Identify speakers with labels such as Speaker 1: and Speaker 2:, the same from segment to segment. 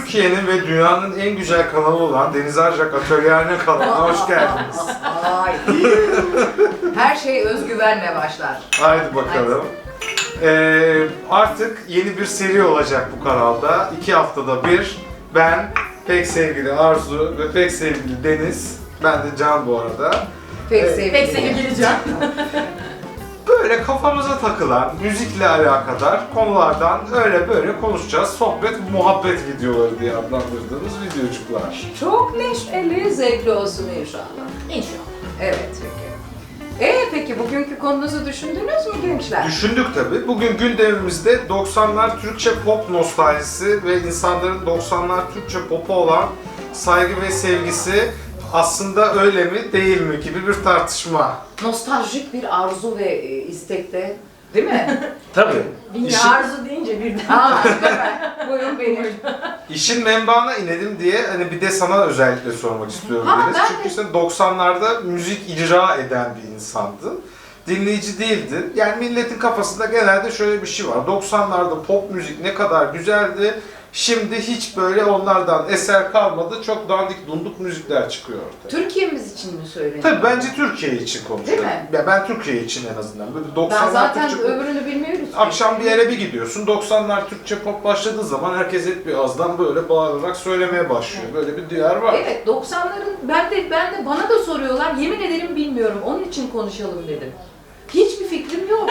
Speaker 1: Türkiye'nin ve dünyanın en güzel kanalı olan Deniz Arcak Atölyehane kanalına hoş geldiniz.
Speaker 2: Ay. Her şey özgüvenle başlar.
Speaker 1: Haydi bakalım. Artık yeni bir seri olacak bu kanalda. 2 haftada bir ben, pek sevgili Arzu ve pek sevgili Deniz, ben de Can bu arada.
Speaker 2: Pek sevgili Can.
Speaker 1: Böyle kafamıza takılan, müzikle alakadar konulardan öyle böyle konuşacağız. Sohbet, muhabbet videoları diye adlandırdığımız videocuklar.
Speaker 2: Çok neşeli, zevkli olsun inşallah.
Speaker 3: İnşallah.
Speaker 2: Evet peki. Peki bugünkü konunuzu düşündünüz mü gençler?
Speaker 1: Düşündük tabii. Bugün gündemimizde 90'lar Türkçe pop nostaljisi ve insanların 90'lar Türkçe pop'a olan saygı ve sevgisi aslında öyle mi değil mi gibi bir tartışma.
Speaker 2: Nostaljik bir arzu ve istekte, değil mi?
Speaker 1: Tabii.
Speaker 3: Bilmiyorum, arzu deyince birden.
Speaker 2: Aa, süper. Buyurun benim.
Speaker 1: İşin menbaına inelim diye hani bir de sana özellikle sormak istiyorum
Speaker 2: Ha,
Speaker 1: Deniz.
Speaker 2: ben
Speaker 1: Çünkü
Speaker 2: de.
Speaker 1: sen 90'larda müzik icra eden bir insandın. Dinleyici değildin. Yani milletin kafasında genelde şöyle bir şey var. 90'larda pop müzik ne kadar güzeldi. Şimdi hiç böyle onlardan eser kalmadı. Çok dandik dunduk müzikler çıkıyor ortaya.
Speaker 2: Türkiye'miz için mi söyleniyor?
Speaker 1: Tabii bence Türkiye için konuşuyorum.
Speaker 2: Değil mi?
Speaker 1: Ya ben Türkiye için en azından. Böyle 90'lar
Speaker 2: Ben zaten
Speaker 1: Türkçe pop.
Speaker 2: öbürünü bilmiyoruz.
Speaker 1: Akşam bir yere bir gidiyorsun, 90'lar Türkçe pop başladığı zaman herkes hep bir ağızdan böyle bağırarak söylemeye başlıyor. Böyle bir diyar var.
Speaker 2: Evet, 90'ların ben de bana da soruyorlar. Yemin ederim bilmiyorum. Onun için konuşalım dedim. Hiçbir fikrim yok.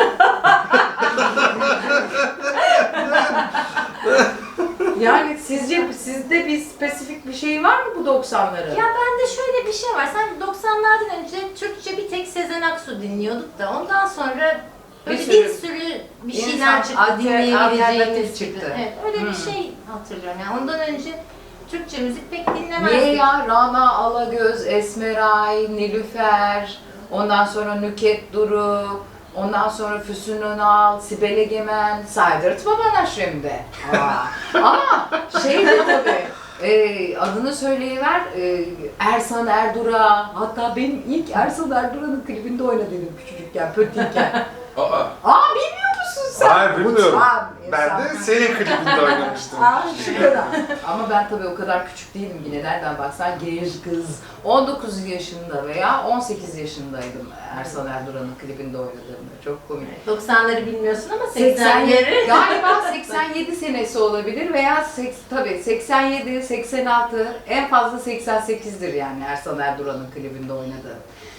Speaker 2: Yani sizde bir spesifik bir şey var mı bu 90'ların?
Speaker 3: Ya bende şöyle bir şey var. Sanki 90'lardan önce Türkçe bir tek Sezen Aksu dinliyorduk da ondan sonra böyle bir sürü bir şeyler çıktı, dinleyebileceğimiz
Speaker 2: alternatif
Speaker 3: çıktı.
Speaker 2: çıktı.
Speaker 3: Evet, öyle bir şey hatırlıyorum. Yani ondan önce Türkçe müzik pek dinlemezdik.
Speaker 2: Niye ya? Rana Alagöz, Esmeray, Nilüfer, ondan sonra Nüket Duru, ondan sonra Füsun Önal, Sibel Egemen, saydırtma bana şimdi. Ama şey de tabii, adını söyleyiver, Ersan Erdura, hatta benim ilk Ersan Erdura'nın klibinde oynadım küçücükken, pötiyken. Bilmiyor musun sen?
Speaker 1: Hayır bilmiyorum.
Speaker 2: Uçan
Speaker 1: Ben
Speaker 2: insan.
Speaker 1: de senin klibinde oynamıştım.
Speaker 2: Şurada. Ama ben tabii o kadar küçük değilim yine nereden baksan genç kız. 19 yaşında veya 18 yaşındaydım Ersan Erdura'nın klibinde oynadığımda. Çok komik.
Speaker 3: 90'ları bilmiyorsun ama
Speaker 2: 87,
Speaker 3: 80'leri.
Speaker 2: galiba 87 senesi olabilir veya tabii 87, 86, en fazla 88'dir yani Ersan Erdura'nın klibinde oynadığı.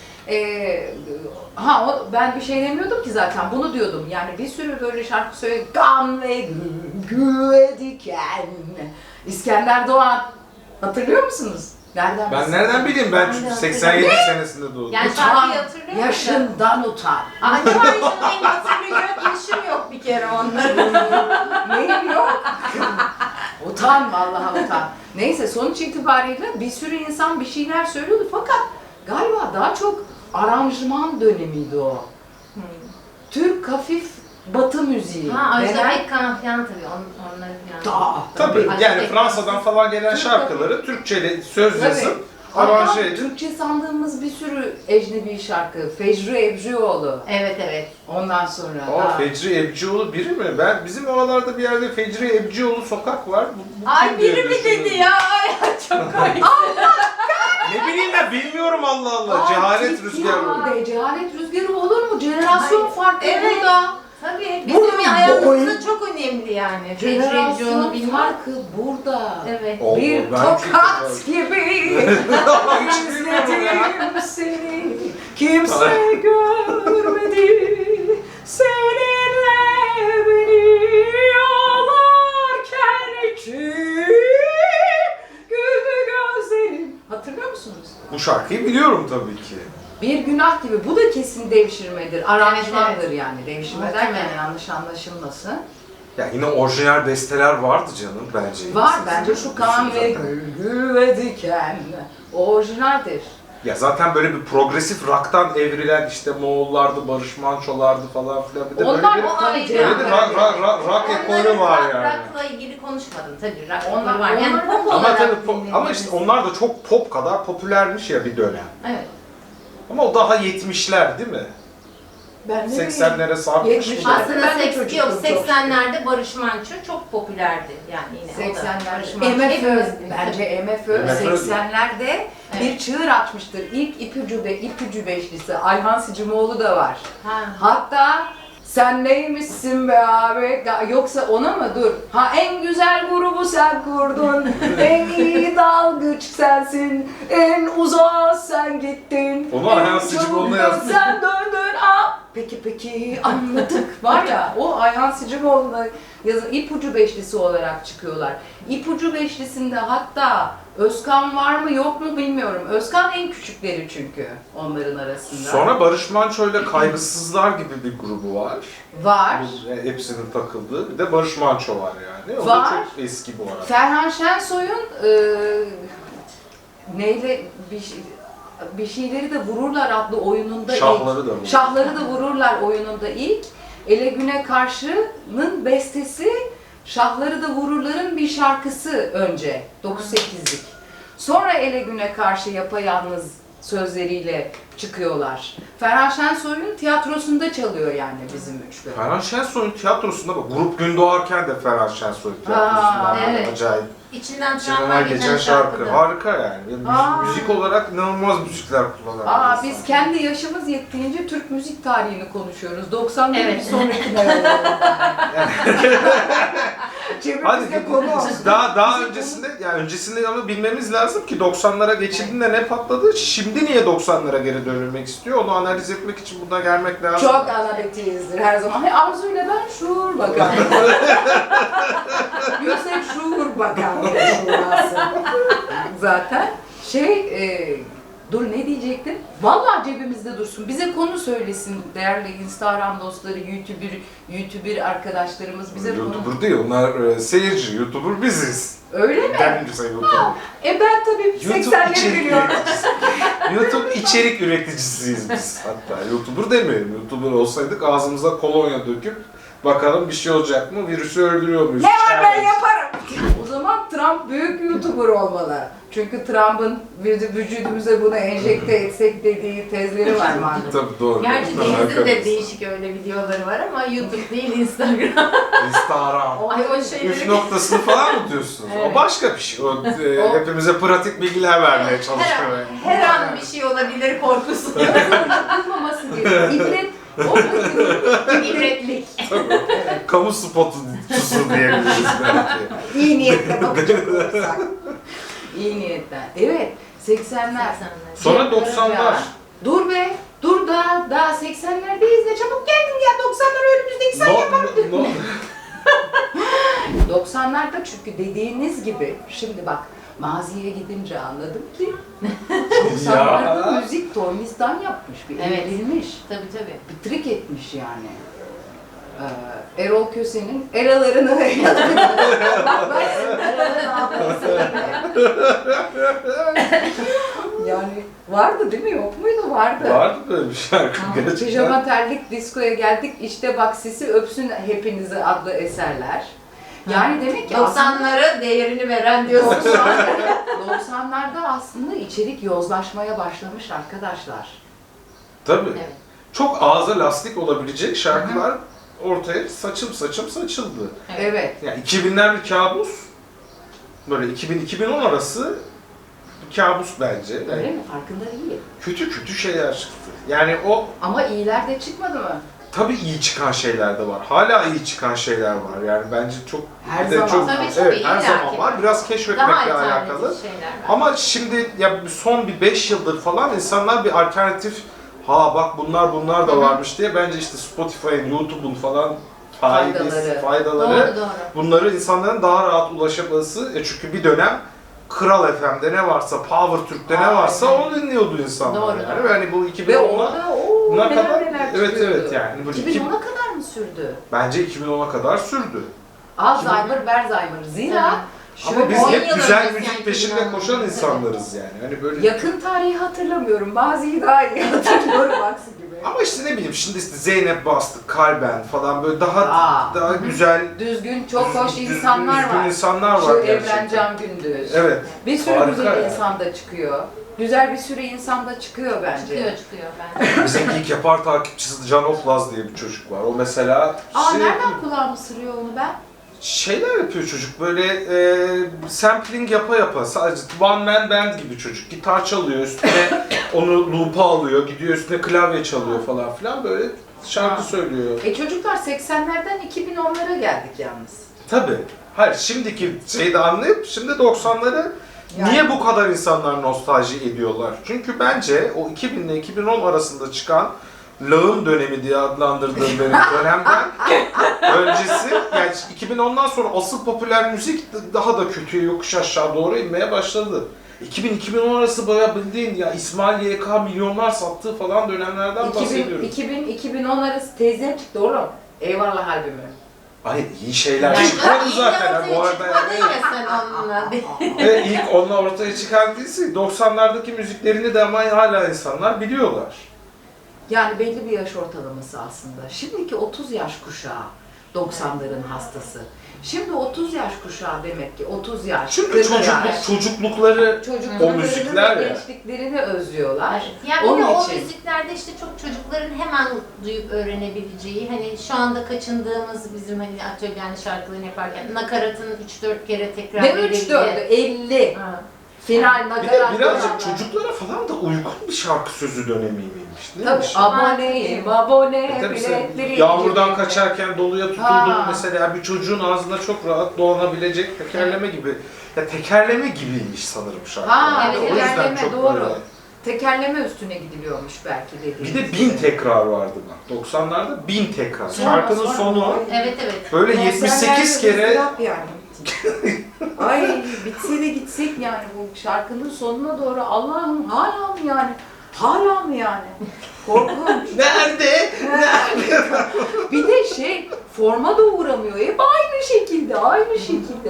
Speaker 2: Ben bir şey demiyordum ki zaten bunu diyordum yani bir sürü böyle şarkı söyle Gam ve Güve Diken İskender Doğan hatırlıyor musunuz?
Speaker 1: Ben nereden bileyim, ben çünkü
Speaker 3: Ben de
Speaker 1: 87 senesinde doğdum.
Speaker 3: Yani şarkıyı hatırlıyor musun?
Speaker 2: Yaşından utan.
Speaker 3: Acaba benim hatırlayacak yaşım yok bir kere onların.
Speaker 2: Neyim yok? Utan vallahi utan. Neyse sonuç itibariyle bir sürü insan bir şeyler söylüyordu fakat galiba daha çok aranjman dönemiydi o. Türk hafif batı müziği.
Speaker 3: Ajda Pekkan falan tabii onları falan.
Speaker 1: Tabii
Speaker 3: Ajda
Speaker 1: yani
Speaker 3: Pekkan.
Speaker 1: Fransa'dan falan gelen
Speaker 2: Türk
Speaker 1: şarkıları Türkçe'yle söz yazıp
Speaker 2: Hatta
Speaker 1: aranje edip.
Speaker 2: Türkçe sandığımız bir sürü ecnebi şarkı. Fecri Ebcioğlu.
Speaker 3: Evet.
Speaker 2: Ondan sonra.
Speaker 1: Fecri Ebcioğlu biri mi? Bizim oralarda bir yerde Fecri Ebcioğlu sokak var. Bu
Speaker 3: Ay
Speaker 1: kim diye
Speaker 3: biri mi
Speaker 1: düşünüyorum.
Speaker 3: dedi ya? Ay çok komik.
Speaker 1: Ne bileyim ben, bilmiyorum Allah Allah. Cehalet rüzgarı.
Speaker 2: Cehalet rüzgarı olur mu? Jenerasyon
Speaker 3: Hayır.
Speaker 2: farkı
Speaker 3: Evet.
Speaker 2: burada.
Speaker 3: Tabii
Speaker 2: Bunun
Speaker 3: bizim hayatımızda çok önemli yani.
Speaker 2: Jenerasyon
Speaker 3: Fecri bilmem.
Speaker 2: farkı burada.
Speaker 3: Evet.
Speaker 1: Allah,
Speaker 2: Bir
Speaker 1: ben
Speaker 2: tokat gibi izledim seni, kimse görmedi seninle beni ağlarken kim güldü gözlerim. Hatırlıyor musunuz?
Speaker 1: Bu şarkıyı biliyorum tabii ki.
Speaker 2: Bir günah gibi. Bu da kesin devşirmedir. Aranjmandır
Speaker 3: Evet.
Speaker 2: yani. Devşirme
Speaker 3: Muhtemelen.
Speaker 2: derken yanlış anlaşılmasın.
Speaker 1: Ya yine orijinal besteler vardı canım bence.
Speaker 2: Var bence şu kan ve gülgü ve diken orijinaldir.
Speaker 1: Ya zaten böyle bir progresif rock'tan evrilen işte Moğollardı, Barış Manço'lardı falan filan. Bir de
Speaker 2: Onlar
Speaker 1: böyle bir,
Speaker 3: o ayrı.
Speaker 1: böyle bir rock ekolü var yani.
Speaker 3: Rock'la ilgili konuşmadım tabii. Rock
Speaker 2: Onlar-
Speaker 3: ekolü var. Yani
Speaker 2: onlar-
Speaker 3: pop
Speaker 1: Ama
Speaker 3: olarak
Speaker 1: tabii ama işte
Speaker 3: dinlediğimiz-
Speaker 1: onlar da çok pop kadar popülermiş ya bir dönem.
Speaker 3: Evet.
Speaker 1: Ama o daha 70'ler değil mi?
Speaker 2: Ben de
Speaker 1: 80'lere sarkmış mı?
Speaker 2: 70'ler.
Speaker 3: Aslında
Speaker 2: Ben de
Speaker 3: 80
Speaker 2: çocuktum
Speaker 3: yok,
Speaker 2: çok
Speaker 3: 80'lerde Barış Manço çok popülerdi yani yine. O da
Speaker 2: 80'ler.
Speaker 3: Barış Manço
Speaker 2: MFÖ,
Speaker 3: hepimiz-
Speaker 2: bence MFÖ
Speaker 1: MFÖ.
Speaker 2: 80'lerde bir çığır açmıştır. İlk ipucu beşlisi Ayhan Sicimoğlu da var.
Speaker 3: Ha.
Speaker 2: Hatta sen neymişsin be abi? Yoksa ona mı? Dur. Ha en güzel grubu sen kurdun. En iyi dalgıç sensin. En uzağa sen gittin.
Speaker 1: Onu Ayhan
Speaker 2: En
Speaker 1: Sicimoğlu'na
Speaker 2: çabuk
Speaker 1: yazmış.
Speaker 2: sen döndün. Aa, peki anladık. Var ya o Ayhan Sicimoğlu'na yazın ipucu beşlisi olarak çıkıyorlar. İpucu beşlisinde hatta Özkan var mı yok mu bilmiyorum. Özkan en küçükleri çünkü onların arasında.
Speaker 1: Sonra Barış Manço ile Kaygısızlar gibi bir grubu var.
Speaker 2: Var.
Speaker 1: Bu hepsinin takıldığı. Bir de Barış Manço var yani. O
Speaker 2: Var.
Speaker 1: da çok eski bu arada.
Speaker 2: Ferhan Şensoy'un neyle bir şeyleri de vururlar adlı oyununda
Speaker 1: Şahları da bu.
Speaker 2: Şahları da vururlar oyununda ilk. Ele Güne Karşı'nın bestesi Şahları da Vururlar'ın bir şarkısı önce 9-8'lik. Sonra Ele Güne Karşı yapayalnız sözleriyle çıkıyorlar. Ferhan Şensoy'un tiyatrosunda çalıyor yani bizim üçlü.
Speaker 1: Ferhan Şensoy'un tiyatrosunda bak, Grup Gün Doğarken de Ferhan Şensoy tiyatrosundan böyle
Speaker 3: evet.
Speaker 1: acayip.
Speaker 3: İçinden
Speaker 1: İçinden
Speaker 3: tramvay
Speaker 1: geçen şarkı.
Speaker 3: da.
Speaker 1: Harika yani. Müzik olarak inanılmaz müzikler kullanan.
Speaker 2: Biz kendi yaşımız yettiğince Türk müzik tarihini konuşuyoruz. 90'ların
Speaker 3: Evet.
Speaker 2: bir sonrakine yolladım. Cebimizde konu olsun.
Speaker 1: Daha öncesinde yani öncesinde ama bilmemiz lazım ki 90'lara geçildiğinde ne patladı? Şimdi niye 90'lara geri dönülmek istiyor? Onu analiz etmek için buna gelmek lazım.
Speaker 2: Çok analitiğizdir her zaman. Hani Arzu'yla ben şuur bakan. Yüksek şuur bakan şurası. Zaten dur ne diyecektim? Vallahi cebimizde dursun. Bize konu söylesin değerli Instagram dostları, YouTuber arkadaşlarımız bize konu.
Speaker 1: YouTuber değil, onlar seyirci. YouTuber biziz.
Speaker 2: Öyle mi?
Speaker 1: Kendimize YouTuber.
Speaker 2: Ben tabii 80'leri biliyorum.
Speaker 1: YouTube içerik üreticisiyiz biz hatta. YouTuber demeyelim. YouTuber olsaydık ağzımıza kolonya döküp bakalım bir şey olacak mı? Virüsü öldürüyor muyuz?
Speaker 2: Ne var ben yaparım. O zaman Trump büyük YouTuber olmalı. Çünkü Trump'ın vücudumuza bunu enjekte etsek dediği tezleri var maalesef.
Speaker 1: Tabii doğru.
Speaker 3: Gerçi Deniz'in de değişik öyle videoları var ama YouTube değil Instagram.
Speaker 1: Instagram.
Speaker 3: Ay o
Speaker 1: Üç
Speaker 3: şeyleri...
Speaker 1: noktasını falan mı diyorsunuz?
Speaker 3: Evet.
Speaker 1: O başka bir şey. O, hepimize pratik bilgiler vermeye çalışıyor.
Speaker 3: Her an bir şey olabilir korkusu.
Speaker 2: Yapılmaması gerekiyor. İbret, o
Speaker 3: İbretlik.
Speaker 1: Kamu spotucusu diyebiliriz belki.
Speaker 2: iyi niyetle bakacak olursak. İyi niyetten. Evet, 80'ler.
Speaker 1: Sonra 90'lar.
Speaker 2: Dur be, dur daha 80'lerdeyiz de çabuk geldin ya 90'lar önümüzdeki sen yapamadın.
Speaker 1: No.
Speaker 2: 90'larda çünkü dediğiniz gibi, şimdi bak maziye gidince anladım ki 90'larda müzik tornistan yapmış, bir
Speaker 3: Evet.
Speaker 2: evrilmiş,
Speaker 3: Tabii.
Speaker 2: bir trik etmiş yani. Erol Köse'nin eralarını bak yani vardı değil mi? Yok muydu? Vardı.
Speaker 1: Vardı böyle bir şarkı gerçekten.
Speaker 2: Pijama terlik diskoya geldik. İşte bak sisi öpsün hepinizi adlı eserler. Yani demek ki
Speaker 3: 90'lara değerini veren diyorsun.
Speaker 2: 90'larda aslında içerik yozlaşmaya başlamış arkadaşlar.
Speaker 1: Tabii.
Speaker 3: Evet.
Speaker 1: Çok ağza lastik olabilecek şarkılar ortaya saçım saçıldı.
Speaker 2: Evet.
Speaker 1: Yani 2000'ler bir kabus. Böyle 2000-2010 arası bir kabus bence. Yani
Speaker 2: Öyle mi? Farkında değil.
Speaker 1: kötü şeyler çıktı. Yani o
Speaker 2: Ama iyiler de çıkmadı mı?
Speaker 1: tabii iyi çıkan şeyler de var. Hala iyi çıkan şeyler var. Yani bence çok
Speaker 2: Her
Speaker 1: bir de
Speaker 2: zaman.
Speaker 1: çok
Speaker 3: Tabii,
Speaker 1: evet her
Speaker 3: illaki
Speaker 1: zaman var.
Speaker 3: var.
Speaker 1: Biraz
Speaker 3: Daha
Speaker 1: keşfetmekle alakalı.
Speaker 3: alternatif şeyler var.
Speaker 1: Ama şimdi ya son bir 5 yıldır falan insanlar bir alternatif bak bunlar da varmış diye bence işte Spotify'ın, YouTube'un falan faydaları
Speaker 3: Doğru.
Speaker 1: bunları insanların daha rahat ulaşaması. Çünkü bir dönem Kral FM'de ne varsa, Power Türk'te ne varsa
Speaker 3: Aynen.
Speaker 1: onu dinliyordu insanlar.
Speaker 3: Doğru.
Speaker 1: Yani. Yani bu
Speaker 2: Ve
Speaker 1: 2010'a
Speaker 2: orada
Speaker 1: buna
Speaker 2: neler
Speaker 1: kadar
Speaker 2: neler
Speaker 1: evet
Speaker 2: çıkıyordu.
Speaker 1: yani bu
Speaker 2: 2010'a kadar mı sürdü?
Speaker 1: bence 2010'a kadar sürdü.
Speaker 2: Alzheimer, Berzheimer. Zira
Speaker 1: Ama biz
Speaker 3: 10
Speaker 1: hep
Speaker 3: yıl
Speaker 1: güzel
Speaker 3: öncesi
Speaker 1: müzik
Speaker 3: yani
Speaker 1: peşinde
Speaker 3: 2010'da.
Speaker 1: koşan insanlarız yani. Hani böyle
Speaker 2: yakın tarihi hatırlamıyorum. Maziyi daha iyi hatırlıyorum aksi gibi.
Speaker 1: ama işte ne bileyim şimdi işte Zeynep Bastık, Kalben falan böyle daha
Speaker 2: Aa.
Speaker 1: güzel
Speaker 2: Düzgün, çok hoş
Speaker 1: düzgün
Speaker 2: insanlar var.
Speaker 1: insanlar
Speaker 2: Şu
Speaker 1: var
Speaker 2: Evren
Speaker 1: gerçekten.
Speaker 2: Can Gündüz.
Speaker 1: Evet.
Speaker 2: Bir sürü
Speaker 1: Harika
Speaker 2: güzel
Speaker 1: yani.
Speaker 2: insan da çıkıyor. güzel bir sürü insan da çıkıyor bence.
Speaker 3: Çıkıyor bence.
Speaker 1: Bizim ilk yapar takipçisi Can Oplaz diye bir çocuk var. O mesela
Speaker 2: Nereden kulağımı sırıyor onu ben?
Speaker 1: şeyler yapıyor çocuk böyle sampling yapa sadece one man band gibi çocuk. Gitar çalıyor üstüne onu loop'a alıyor, gidiyor üstüne klavye çalıyor falan filan böyle şarkı söylüyor.
Speaker 2: Çocuklar 80'lerden 2010'lara geldik yalnız.
Speaker 1: Tabii. Hayır şimdiki şeyi de anlayıp şimdi 90'ları
Speaker 2: Yani-
Speaker 1: niye bu kadar insanlar nostalji ediyorlar? Çünkü bence o 2000 ile 2010 arasında çıkan lağım dönemi diye adlandırdığım benim dönemden öncesi, yani 2010'dan sonra asıl popüler müzik daha da kötüye yokuş aşağı doğru inmeye başladı. 2000-2010 arası bayağı bildiğin ya İsmail YK milyonlar sattığı falan dönemlerden bahsediyorum.
Speaker 2: 2010 arası teyzem çıktı oğlum. Eyvallah albümü.
Speaker 1: Ay iyi şeyler çıkmadı zaten ha, bu arada yani.
Speaker 3: Ya sen onunla.
Speaker 1: Ve ilk onunla ortaya çıkan değilse 90'lardaki müziklerini de ama hala insanlar biliyorlar.
Speaker 2: Yani belli bir yaş ortalaması aslında. Şimdiki 30 yaş kuşağı 90'ların hastası. Şimdi 30 yaş kuşağı demek ki 30 yaş,
Speaker 1: Çünkü
Speaker 2: 40 yaş.
Speaker 1: çocuklukları o müzikler ya.
Speaker 2: gençliklerini özlüyorlar.
Speaker 3: Yani bir de
Speaker 2: Onun
Speaker 3: o
Speaker 2: için.
Speaker 3: müziklerde işte çok çocukların hemen duyup öğrenebileceği, hani şu anda kaçındığımız bizim hani atölyenin şarkılarını yaparken nakaratın 3-4 kere tekrar
Speaker 2: Ne 3-4'ü? 50.
Speaker 3: Ha.
Speaker 2: Final
Speaker 1: Bir de
Speaker 2: nakarat.
Speaker 1: birazcık
Speaker 2: dönemler.
Speaker 1: çocuklara falan da uygun bir şarkı sözü dönemiymiş.
Speaker 2: Tabii
Speaker 1: Neymiş?
Speaker 2: aboneyim, abone,
Speaker 1: Tabii sen
Speaker 2: biletleri.
Speaker 1: yağmurdan kaçarken doluya tutuldun
Speaker 2: Ha.
Speaker 1: mesela bir çocuğun ağzında çok rahat dolanabilecek tekerleme gibi. Ya tekerleme gibiymiş sanırım şarkı.
Speaker 2: Ha,
Speaker 3: evet,
Speaker 1: O yüzden
Speaker 2: tekerleme,
Speaker 1: çok
Speaker 2: doğru.
Speaker 1: böyle.
Speaker 2: Tekerleme üstüne gidiliyormuş belki dediğiniz
Speaker 1: Bir de 1000 tekrar vardı bak. 90'larda 1000 tekrar. Şarkının sonu
Speaker 3: Evet evet.
Speaker 1: böyle 78 kere
Speaker 2: yani. Ay bitse de gitsek yani bu şarkının sonuna doğru Allah'ım hala mı yani? Hala mı yani? Korkunç.
Speaker 1: nerede?
Speaker 2: Bir de forma da uğramıyor. Hep aynı şekilde, aynı şekilde.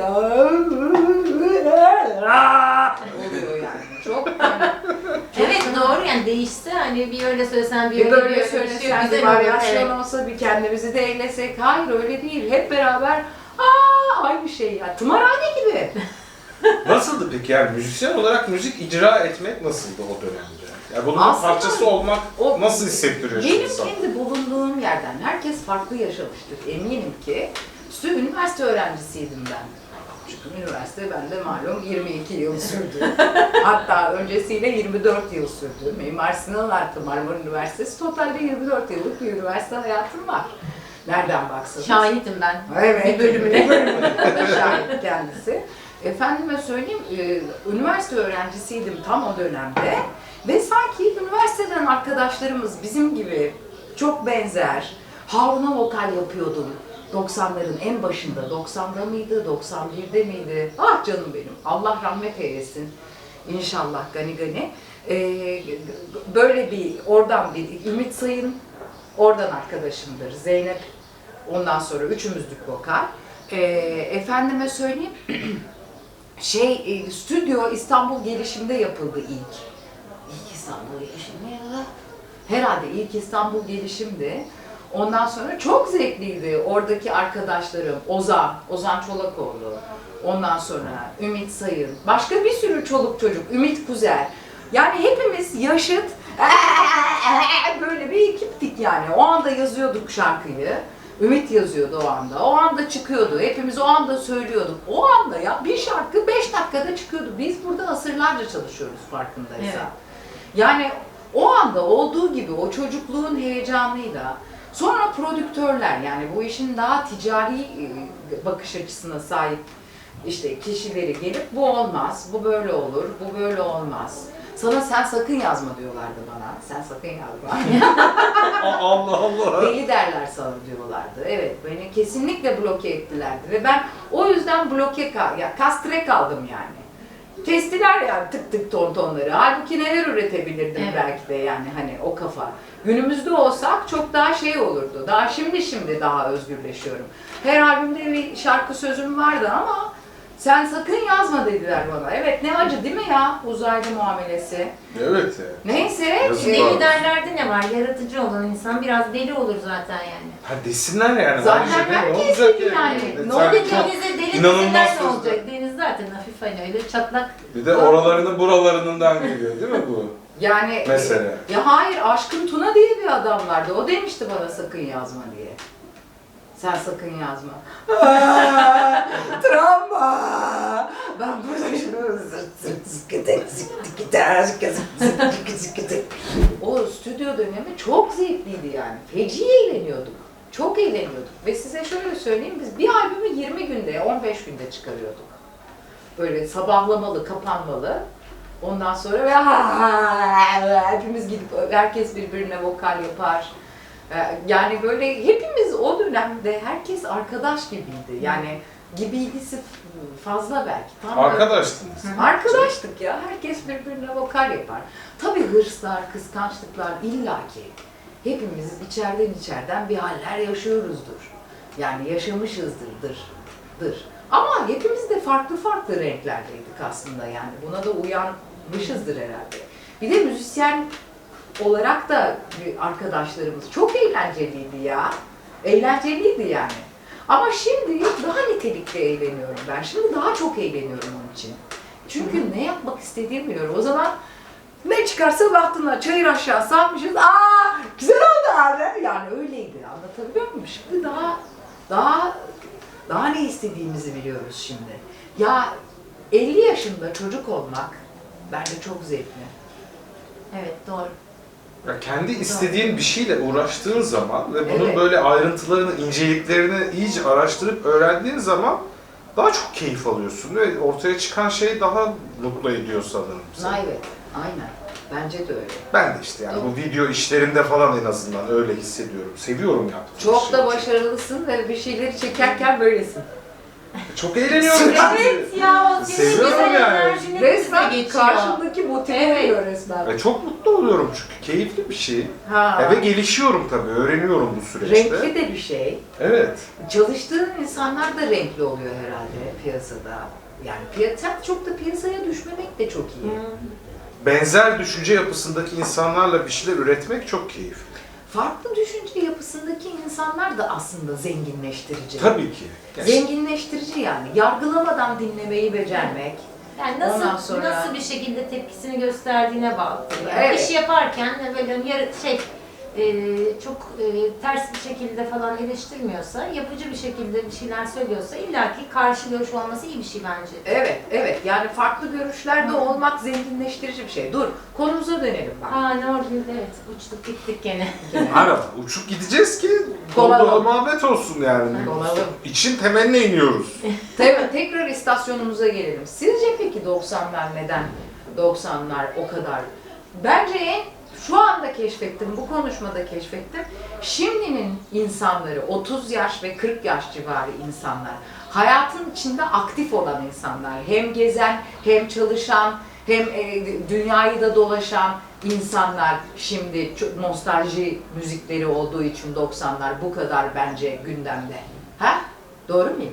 Speaker 2: Oluyor yani. Çok yani.
Speaker 3: Evet doğru, yani değişse hani bir öyle söylesen bir
Speaker 2: Bir
Speaker 3: öyle
Speaker 2: böyle
Speaker 3: bir
Speaker 2: söylesen, bir
Speaker 3: güzel olur.
Speaker 2: varyasyon
Speaker 3: Evet.
Speaker 2: olsa, bir kendimizi de eylesek. Hayır öyle değil. Hep beraber aynı şey ya. Tımarhane gibi.
Speaker 1: Nasıldı peki yani müzisyen olarak müzik icra etmek nasıldı o dönemde? Yani bunun
Speaker 2: Aslında
Speaker 1: parçası olmak
Speaker 2: o-
Speaker 1: nasıl hissettiriyor
Speaker 2: Benim
Speaker 1: insan?
Speaker 2: kendi bulunduğum yerden herkes farklı yaşamıştır. Eminim ki. Üniversite öğrencisiydim ben. Çünkü üniversite bende malum 22 yıl sürdü. Hatta öncesiyle 24 yıl sürdü. Mimar Sinan artı Marmara Üniversitesi totalde 24 yıllık bir üniversite hayatım var. Nereden baksanız.
Speaker 3: Şahitim ben.
Speaker 2: Evet.
Speaker 3: Bir bölümüne.
Speaker 2: Şahit kendisi. Efendime söyleyeyim, üniversite öğrencisiydim tam o dönemde. Ve sanki üniversiteden arkadaşlarımız bizim gibi çok benzer. Harun'a vokal yapıyordum. 90'ların en başında, 90'da mıydı, 91'de miydi? Ah canım benim, Allah rahmet eylesin. İnşallah gani gani. Böyle bir, oradan bir Ümit Sayın, oradan arkadaşımdır. Zeynep, ondan sonra üçümüzlük vokal. Efendime söyleyeyim, stüdyo İstanbul Gelişim'de yapıldı ilk. İlk İstanbul Gelişim mi ya? Herhalde ilk İstanbul Gelişim'di. Ondan sonra çok zevkliydi. Oradaki arkadaşlarım, Ozan Çolakoğlu, ondan sonra Ümit Sayın, başka bir sürü çoluk çocuk, Ümit Kuzer. Yani hepimiz yaşıt, böyle bir ekiptik yani. O anda yazıyorduk şarkıyı. Ümit yazıyordu o anda. O anda çıkıyordu. Hepimiz o anda söylüyorduk. O anda ya bir şarkı 5 dakikada çıkıyordu. Biz burada asırlarca çalışıyoruz farkındaysan.
Speaker 3: Evet.
Speaker 2: Yani o anda olduğu gibi o çocukluğun heyecanıyla sonra prodüktörler, yani bu işin daha ticari bakış açısına sahip işte kişileri gelip bu olmaz, bu böyle olur, bu böyle olmaz. Sana sen sakın yazma diyorlardı bana. Sen sakın yazma.
Speaker 1: Allah Allah.
Speaker 2: Deli derler sana diyorlardı. Evet, beni kesinlikle bloke ettilerdi ve ben o yüzden kastre kaldım yani. Kestiler yani tık tık tonları. Halbuki neler üretebilirdim
Speaker 3: Evet.
Speaker 2: belki de yani hani o kafa. Günümüzde olsak çok daha olurdu. Daha şimdi daha özgürleşiyorum. Her albümde bir şarkı sözüm vardı ama sen sakın yazma dediler bana. Evet, ne acı değil mi ya uzaylı muamelesi.
Speaker 1: Evet ya.
Speaker 2: Neyse.
Speaker 1: Yazık
Speaker 3: Deli
Speaker 1: var.
Speaker 3: derlerde ne var? Yaratıcı olan insan biraz deli olur zaten yani.
Speaker 1: Ha desinler yani.
Speaker 2: Zaten
Speaker 1: bence de ne
Speaker 2: herkes
Speaker 1: olacak
Speaker 2: deli yani.
Speaker 1: Yani
Speaker 2: Ne
Speaker 1: sen
Speaker 2: olacak?
Speaker 1: çok
Speaker 3: Denize deli
Speaker 1: inanılmaz
Speaker 3: desinler ne
Speaker 1: sözler.
Speaker 3: olacak? Deniz zaten hafif hani öyle çatlak.
Speaker 1: Bir de oralarının buralarından geliyor değil mi bu
Speaker 2: Yani
Speaker 1: mesele?
Speaker 2: ya hayır, Aşkın Tuna diye bir adam vardı. O demişti bana sakın yazma diye. Sen sakın yazma. Travma. Ben burada şunu o stüdyo dönemi çok zevkliydi yani. Feci eğleniyorduk. Çok eğleniyorduk. Ve size şöyle söyleyeyim, biz bir albümü 20 günde, 15 günde çıkarıyorduk. Böyle sabahlamalı, kapanmalı. Ondan sonra ve hepimiz gidip herkes birbirine vokal yapar. Yani böyle hepimiz o dönemde herkes arkadaş gibiydi. Yani gibiydi fazla belki. Tam
Speaker 1: Arkadaştınız.
Speaker 2: arkadaştık ya. Herkes birbirine vokal yapar. Tabii hırslar, kıskançlıklar illaki. Hepimiz içeriden bir haller yaşıyoruzdur. Yani yaşamışızdır. Ama hepimiz de farklı farklı renklerdeydik aslında yani. Buna da uyanmışızdır herhalde. Bir de müzisyen olarak da arkadaşlarımız çok eğlenceliydi ya. Eğlenceliydi yani. Ama şimdi daha nitelikli eğleniyorum ben. Şimdi daha çok eğleniyorum onun için. Çünkü ne yapmak istediğimi biliyorum. O zaman ne çıkarsa baktığında çayır aşağı salmışız. Güzel oldu abi. Yani öyleydi. Anlatabiliyor muyum? Şimdi daha ne istediğimizi biliyoruz şimdi. Ya 50 yaşında çocuk olmak bence çok zevkli.
Speaker 3: Evet doğru.
Speaker 1: Ya kendi istediğin bir şeyle uğraştığın zaman ve bunun
Speaker 2: Evet.
Speaker 1: böyle ayrıntılarını, inceliklerini iyice araştırıp öğrendiğin zaman daha çok keyif alıyorsun ve ortaya çıkan şey daha mutlu ediyor sanırım seni.
Speaker 2: Evet, aynen. Bence de öyle.
Speaker 1: Ben de işte yani bu video işlerinde falan en azından öyle hissediyorum. Seviyorum yaptığım
Speaker 2: Çok
Speaker 1: şeyi.
Speaker 2: da başarılısın ve bir şeyleri çekerken böylesin.
Speaker 1: Çok eğleniyorum yani.
Speaker 3: Evet ya o senin
Speaker 1: Seviyorum
Speaker 3: güzel
Speaker 1: yani.
Speaker 3: enerjini bize
Speaker 2: Resmen
Speaker 3: geçiyor.
Speaker 2: karşındaki motive
Speaker 3: Evet.
Speaker 2: ediyor resmen.
Speaker 1: Ve çok mutlu oluyorum çünkü keyifli bir şey.
Speaker 2: Ha.
Speaker 1: Ve gelişiyorum tabii, öğreniyorum bu süreçte.
Speaker 2: Renkli de bir şey.
Speaker 1: Evet.
Speaker 2: Çalıştığın insanlar da renkli oluyor herhalde piyasada. Yani sen çok da piyasaya düşmemek de çok iyi.
Speaker 1: Benzer düşünce yapısındaki insanlarla bir şeyler üretmek çok keyifli.
Speaker 2: Farklı düşünce yapısındaki insanlar da aslında zenginleştirici.
Speaker 1: Tabii ki.
Speaker 2: Zenginleştirici yani. Yargılamadan dinlemeyi becermek.
Speaker 3: Yani
Speaker 2: Ondan sonra-
Speaker 3: nasıl bir şekilde tepkisini gösterdiğine bağlı. Yani
Speaker 2: Evet.
Speaker 3: İş yaparken de böyle çok ters bir şekilde falan eleştirmiyorsa, yapıcı bir şekilde bir şeyler söylüyorsa illaki karşı görüş olması iyi bir şey bence.
Speaker 2: Evet. Yani farklı görüşlerde olmak zenginleştirici bir şey. Dur, konumuza dönelim bak.
Speaker 3: Ne oldu? Evet, uçtuk gittik gene.
Speaker 1: Araba uçup gideceğiz ki
Speaker 2: Dolanalım.
Speaker 1: dolu muhabbet olsun yani.
Speaker 2: Dolanalım.
Speaker 1: İçin temeline iniyoruz.
Speaker 2: Tabii, tekrar istasyonumuza gelelim. Sizce peki 90'lar neden 90'lar o kadar? Bence şu anda keşfettim, bu konuşmada keşfettim. Şimdinin insanları, 30 yaş ve 40 yaş civarı insanlar, hayatın içinde aktif olan insanlar, hem gezen, hem çalışan, hem dünyayı da dolaşan insanlar şimdi nostalji müzikleri olduğu için 90'lar bu kadar bence gündemde. Ha? Doğru muyum?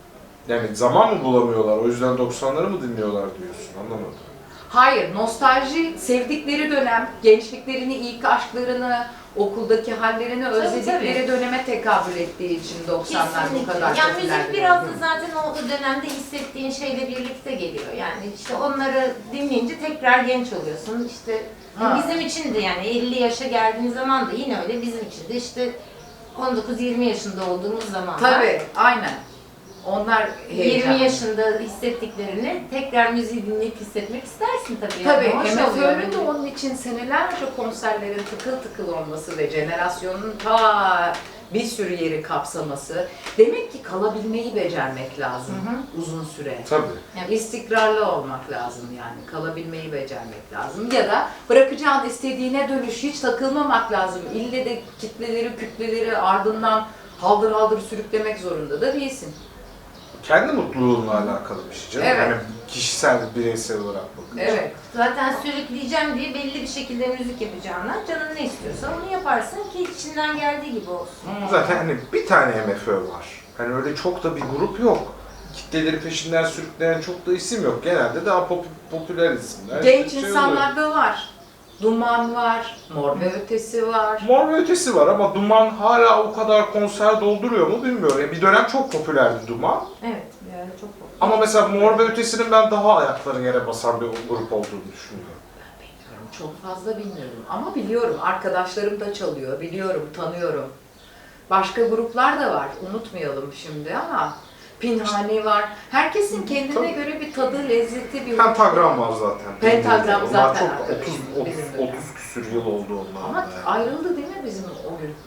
Speaker 1: Yani zaman mı bulamıyorlar, o yüzden 90'ları mı dinliyorlar diyorsun, anlamadım.
Speaker 2: Hayır, nostalji sevdikleri dönem, gençliklerini, ilk aşklarını, okuldaki hallerini özledikleri
Speaker 3: tabii.
Speaker 2: döneme tekabül ettiği için 90'lar bu
Speaker 3: Kesinlikle.
Speaker 2: kadar
Speaker 3: Yani
Speaker 2: popüler.
Speaker 3: müzik biraz da zaten o dönemde hissettiğin şeyle birlikte geliyor. Yani işte onları dinleyince tekrar genç oluyorsun. İşte
Speaker 2: Ha.
Speaker 3: bizim için de yani 50 yaşa geldiğin zaman da yine öyle bizim için de işte 19-20 yaşında olduğumuz zaman da
Speaker 2: Tabii, aynen. Onlar
Speaker 3: 20 yaşında hissettiklerini tekrar müziği dinleyip hissetmek istersin tabii.
Speaker 2: Tabii,
Speaker 3: Yani. Hoş oluyor
Speaker 2: MFÖ'nün de
Speaker 3: bence.
Speaker 2: onun için senelerce konserlerin tıkıl tıkıl olması ve jenerasyonun ta bir sürü yeri kapsaması. Demek ki kalabilmeyi becermek lazım uzun süre.
Speaker 1: Tabii.
Speaker 2: Yani istikrarlı olmak lazım yani. Kalabilmeyi becermek lazım. Ya da bırakacağın istediğine dönüş, hiç takılmamak lazım. İlle de kütleleri ardından haldır haldır sürüklemek zorunda da değilsin.
Speaker 1: Kendi mutluluğunla alakalı bir şey canım.
Speaker 2: Evet.
Speaker 1: Yani kişisel, bireysel olarak bakınca.
Speaker 2: Evet.
Speaker 3: Zaten sürükleyeceğim diye belli bir şekilde müzik yapacağına canın ne istiyorsa onu yaparsın ki içinden geldiği gibi olsun.
Speaker 1: Zaten hani bir tane MFÖ var. Hani öyle çok da bir grup yok. Kitleleri peşinden sürükleyen çok da isim yok. Genelde daha popüler isimler.
Speaker 2: Genç
Speaker 1: İşte şey
Speaker 2: insanlar da var. Duman var, Mor ve Ötesi var.
Speaker 1: Mor ve Ötesi var ama Duman hala o kadar konser dolduruyor mu bilmiyorum. Yani bir dönem çok popülerdi Duman.
Speaker 3: Evet. Ankara'da çok popüler.
Speaker 1: Ama mesela Mor ve Ötesi'nin ben daha ayakları yere basan bir grup olduğunu düşünüyorum.
Speaker 2: Bilmiyorum, çok fazla bilmiyorum ama biliyorum. Arkadaşlarım da çalıyor, biliyorum, tanıyorum. Başka gruplar da var, unutmayalım şimdi ama Pinhani var. Herkesin kendine
Speaker 1: Tabii.
Speaker 2: göre bir tadı, lezzeti, bir
Speaker 1: Pentagram var zaten.
Speaker 2: Pentagram
Speaker 1: Onlar
Speaker 2: zaten
Speaker 1: çok
Speaker 2: arkadaşım,
Speaker 1: 30
Speaker 2: bizim de.
Speaker 1: küsür yıl oldu onlar.
Speaker 2: Ama ayrıldı değil mi bizim o gün?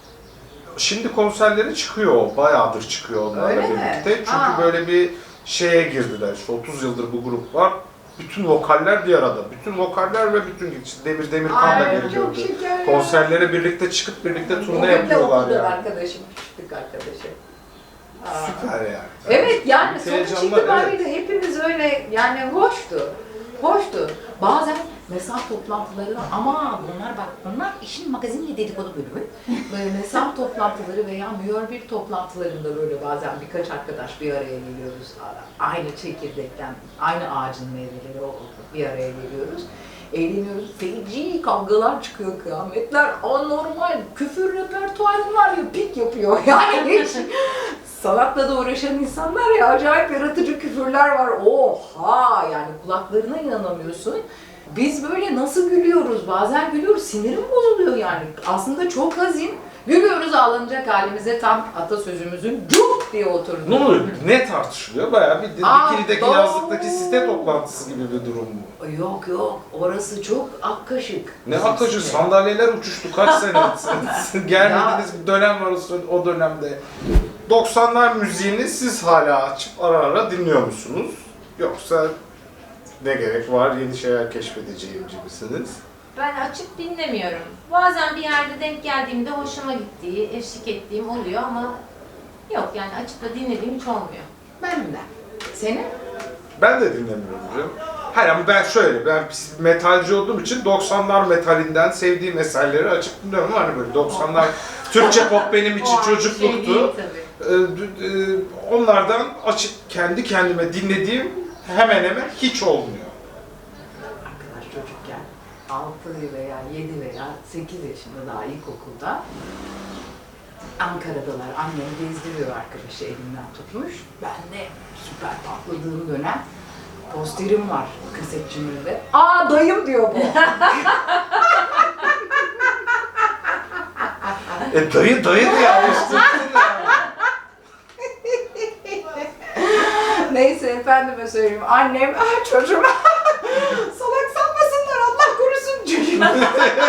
Speaker 1: Şimdi konserleri çıkıyor, bayağıdır çıkıyor onlarla
Speaker 2: Öyle mi?
Speaker 1: birlikte. Çünkü
Speaker 2: Aa.
Speaker 1: böyle bir şeye girdiler. İşte 30 yıldır bu grup var. Bütün vokaller bir arada. Bütün vokaller ve bütün işte Demir Demirkan da
Speaker 2: Ay,
Speaker 1: geri
Speaker 2: çok
Speaker 1: döndü.
Speaker 2: şeker.
Speaker 1: Konserlere birlikte çıkıp birlikte turne
Speaker 2: Bugün de
Speaker 1: yapıyorlar
Speaker 2: okuldan
Speaker 1: yani.
Speaker 2: arkadaşım, küçüklük arkadaşım. Aa.
Speaker 1: Süper yani.
Speaker 2: Evet yani
Speaker 1: Büyük
Speaker 2: sonuç
Speaker 1: heyecanlar,
Speaker 2: itibariyle hepimiz öyle yani hoştu. Hoştu. Bazen mesaf toplantıları ama bunlar işin magazinle dedikodu bölümü. Böyle mesaf toplantıları veya mühür toplantılarında böyle bazen birkaç arkadaş bir araya geliyoruz. Aynı çekirdekten, aynı ağacın meyveleri bir araya geliyoruz. Eğleniyoruz. Feci kavgalar çıkıyor, kıyametler anormal. Küfür repertuarı var ya pik yapıyor. Yani hiç sanatla da uğraşan insanlar ya acayip yaratıcı küfürler var. Oha yani kulaklarına inanamıyorsun. Biz böyle nasıl gülüyoruz? Bazen gülüyoruz, sinirim bozuluyor yani. Aslında çok hazin. Gülüyoruz ağlanacak halimize tam atasözümüzün cuk diye oturdu.
Speaker 1: Ne oluyor? Ne tartışılıyor? Bayağı bir Dikili'deki
Speaker 2: doğru.
Speaker 1: yazlıktaki site toplantısı gibi bir durum bu.
Speaker 2: Yok yok, orası çok ak kaşık.
Speaker 1: Ne akıcı sandalyeler uçuştu kaç sene gelmediğiniz bir dönem var o dönemde. 90'lar müziğini siz hala açıp ara ara dinliyor musunuz? Yoksa ne gerek var yeni şeyler keşfedeceğim gibisiniz?
Speaker 3: Ben açıp dinlemiyorum. Bazen bir yerde denk geldiğimde hoşuma gittiği, eşlik ettiğim oluyor ama yok yani açıp da dinlediğim hiç olmuyor.
Speaker 2: Benim de. Senin?
Speaker 1: Ben de dinlemiyorum canım. Hayır ama ben şöyle, ben metalci olduğum için 90'lar metalinden sevdiğim eserleri açıp dinliyorum. Hani böyle 90'lar Türkçe pop benim için
Speaker 3: O aynı şey
Speaker 1: çocukluktu.
Speaker 3: değil tabii.
Speaker 1: Onlardan açıp kendi kendime dinlediğim hemen hemen hiç olmuyor.
Speaker 2: Arkadaş çocukken 6 veya 7 veya 8 yaşında daha ilkokulda Ankara'dalar. Annem gezdiriyor arkadaşı elinden tutmuş. Ben de süper patladığım dönem posterim var kasetçimde. Aa dayım diyor bu.
Speaker 1: Dayı diye alıştırdın yani.
Speaker 2: Neyse efendime söyleyeyim. Annem çocuğuma salak sanmasınlar Allah korusun çocuğuma.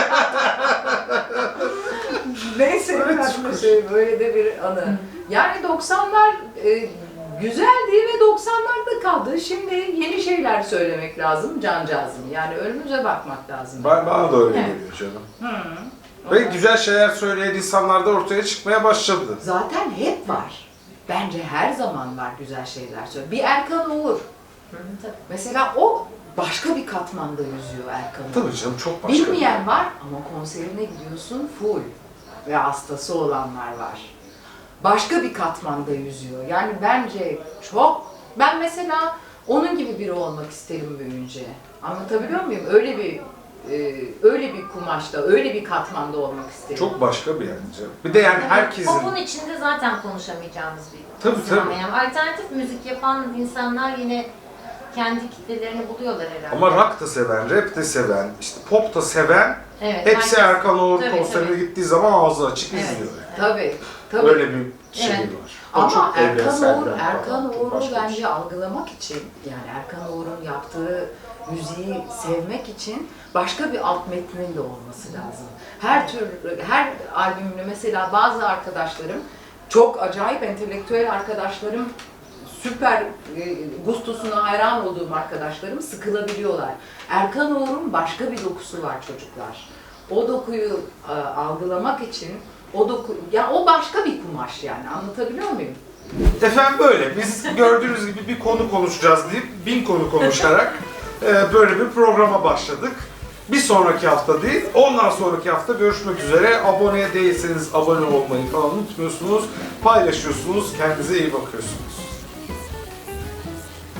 Speaker 2: Neyse efendime söyleyeyim. Böyle de bir anı. Yani 90'lar güzeldi ve 90'larda kaldı. Şimdi yeni şeyler söylemek lazım cancağızım. Yani önümüze bakmak lazım.
Speaker 1: Bana da öyle
Speaker 3: Evet.
Speaker 1: geliyor canım.
Speaker 2: Hı.
Speaker 1: Ve güzel şeyler söyleyen insanlar da ortaya çıkmaya başladı.
Speaker 2: Zaten hep var. Bence her zaman var güzel şeyler söylüyor. Bir Erkan Uğur.
Speaker 3: Tabii.
Speaker 2: Mesela o başka bir katmanda yüzüyor Erkan Uğur.
Speaker 1: Tabii canım çok başka.
Speaker 2: Bilmeyen var ama konserine gidiyorsun full ve hastası olanlar var. Başka bir katmanda yüzüyor. Yani bence çok... Ben mesela onun gibi biri olmak isterim büyüyünce. Anlatabiliyor muyum? Öyle bir kumaşta, öyle bir katmanda olmak isterim.
Speaker 1: Çok başka bir yer canım. Bir de yani herkesin...
Speaker 3: Pop'un içinde zaten konuşamayacağımız bir
Speaker 1: Tabii,
Speaker 3: sinema.
Speaker 1: tabii.
Speaker 3: Yani alternatif müzik yapan insanlar yine kendi kitlelerini buluyorlar herhalde.
Speaker 1: Ama rock da seven, rap de seven, işte pop da seven,
Speaker 3: evet,
Speaker 1: hepsi
Speaker 3: herkes-
Speaker 1: Erkan Oğur
Speaker 3: Tabii,
Speaker 1: konserine
Speaker 3: tabii.
Speaker 1: gittiği zaman ağzı açık
Speaker 3: Evet.
Speaker 1: izliyor yani.
Speaker 2: Tabii, tabii.
Speaker 1: Öyle bir şey
Speaker 3: Evet.
Speaker 1: var. O
Speaker 2: Ama
Speaker 1: çok evrensel bir
Speaker 2: Erkan
Speaker 1: falan, çok
Speaker 2: Uğur'u
Speaker 1: başka bir
Speaker 2: bence
Speaker 1: şey.
Speaker 2: algılamak için, yani Erkan Uğur'un yaptığı müziği sevmek için başka bir alt metnin de olması lazım. Her albümünü mesela bazı arkadaşlarım, çok acayip entelektüel arkadaşlarım, süper gustosuna hayran olduğum arkadaşlarım sıkılabiliyorlar. Erkan Uğur'un başka bir dokusu var çocuklar. O dokuyu algılamak için o başka bir kumaş yani, anlatabiliyor muyum?
Speaker 1: Efendim böyle, biz gördüğünüz gibi bir konu konuşacağız deyip 1000 konu konuşarak böyle bir programa başladık. Bir sonraki hafta değil, ondan sonraki hafta görüşmek üzere. Abone değilseniz abone olmayı falan unutmuyorsunuz. Paylaşıyorsunuz, kendinize iyi bakıyorsunuz.